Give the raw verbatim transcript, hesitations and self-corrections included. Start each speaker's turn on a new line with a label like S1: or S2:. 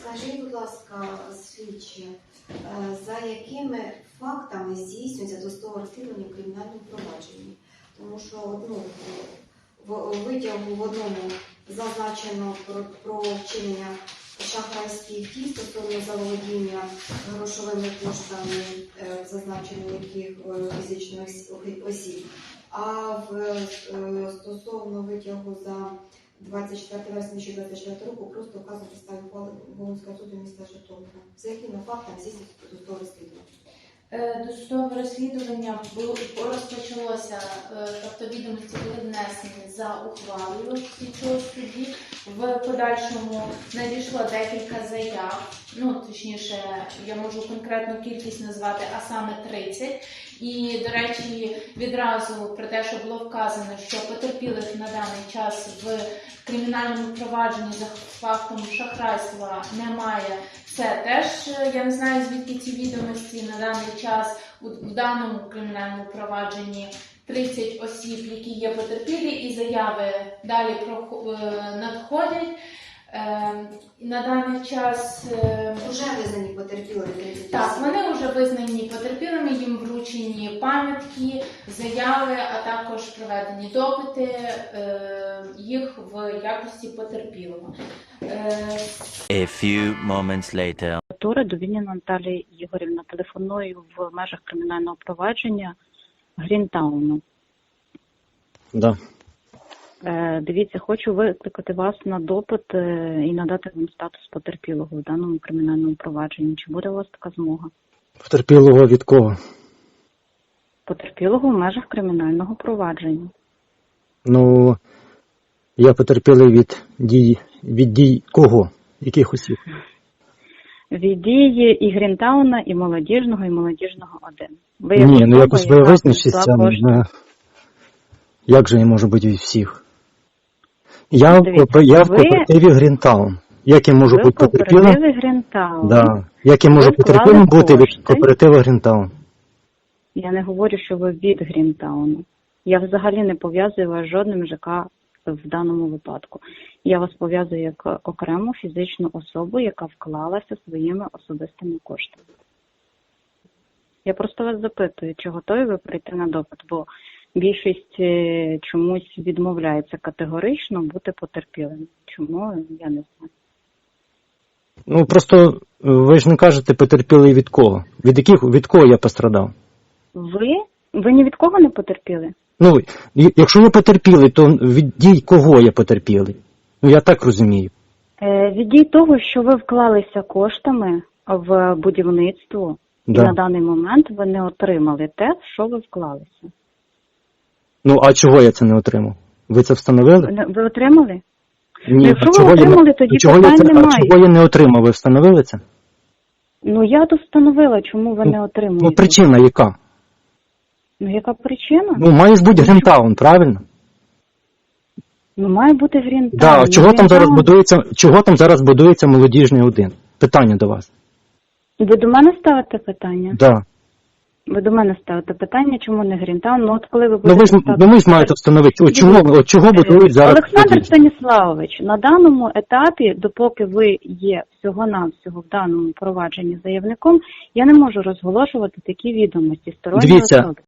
S1: Скажіть, будь ласка, слідчі, за якими фактами здійснюється досудове розслідування в кримінальному провадженні? Тому що ну, в витягу в одному зазначено про, про вчинення шахрайських дій стосовно заволодіння грошовими коштами, зазначено яких фізичних осіб, а в стосовно витягу за двадцять четвертого вересня дві тисячі двадцять четвертого року просто вказано підставі ухвали Волинського суду міста Житомира. За якими фактами здійснюється досудове розслідування?
S2: Досудове розслідування розпочалося, тобто відомості були внесені за ухвалою слідчого судді. В подальшому надійшло декілька заяв, ну точніше, я можу конкретну кількість назвати, а саме тридцять. І, до речі, відразу про те, що було вказано, що потерпілих на даний час в кримінальному провадженні за фактом шахрайства немає. Це теж, я не знаю, звідки ці відомості на даний час в даному кримінальному провадженні тридцять осіб, які є потерпілі, і заяви далі надходять. На даний час
S1: вже визнані потерпілими.
S2: Так, вони вже визнані потерпілими, їм вручені пам'ятки, заяви, а також проведені допити їх в якості потерпілого.
S3: A few moments later.
S4: Довільніна Наталії Ігорівна, телефоную в межах кримінального провадження Грінтауну.
S5: Да.
S4: Е, дивіться, хочу викликати вас на допит е, і надати вам статус потерпілого в даному кримінальному провадженні. Чи буде у вас така змога?
S5: Потерпілого від кого?
S4: Потерпілого в межах кримінального провадження.
S5: Ну, я потерпілий від дій, від дій кого? Яких осіб?
S4: Від дії і Грінтауна, і молодіжного, і молодіжного один. Ви
S5: Ні, ну якось ви
S4: яка
S5: визначиться.
S4: кошти?
S5: Як же я можу бути від всіх? Я,
S4: Дивіться,
S5: в, я в
S4: ви-
S5: кооперативі Грінтаун. Як я можу
S4: Ви в
S5: бути потерпілим?
S4: кооперативі Грінтаун.
S5: Да. Як я можу
S4: Ви вклали
S5: потерпілим бути від
S4: кошти.
S5: кооперативу Грінтаун?
S4: Я не говорю, що ви від Грінтауну. Я взагалі не пов'язую вас з жодним ЖК в даному випадку. Я вас пов'язую як окрему фізичну особу, яка вклалася своїми особистими коштами. Я просто вас запитую, чи готові ви прийти на допит, бо більшість е, чомусь відмовляється категорично бути потерпілим. Чому? Я не знаю.
S5: Ну, просто ви ж не кажете потерпілий від кого? Від яких, від кого я пострадав?
S4: Ви? Ви ні від кого не потерпіли?
S5: Ну, якщо я потерпілий, то від дій кого я потерпілий? Ну, я так розумію.
S4: Е, від дій того, що ви вклалися коштами в будівництво,
S5: Да.
S4: і на даний момент ви не отримали те, в що ви вклалися.
S5: Ну, а чого я це не отримав? Ви це встановили?
S4: Не- Ви отримали?
S5: Ні,
S4: Якщо
S5: а
S4: ви
S5: чого я
S4: отримали,
S5: не,
S4: тоді
S5: чого я
S4: питань
S5: це, а
S4: немає.
S5: чого я не отримав? Ви встановили це?
S4: Ну, я то встановила, чому ви не отримуєте.
S5: Ну, причина яка?
S4: Ну, яка причина?
S5: Ну, має ж бути Грінтаун, правильно?
S4: Ну, має бути Грінтаун.
S5: Да, а чого там
S4: Грінтаун-
S5: зараз будується, чого там зараз будується молодіжний один? Питання до вас.
S4: Ви до мене ставите питання?
S5: Да.
S4: Ви до мене ставите питання, чому не Грінтаун? Ну, от коли ви
S5: Ну
S4: будете
S5: ви ж,
S4: ставити-
S5: ну, ви ж маєте встановити, от чого, от чого будують зараз
S4: Олександр
S5: молодіжний?
S4: Станіславович, на даному етапі, допоки ви є всього-навсього в даному провадженні заявником, я не можу розголошувати такі відомості сторонньої
S5: Дивіться,
S4: особи.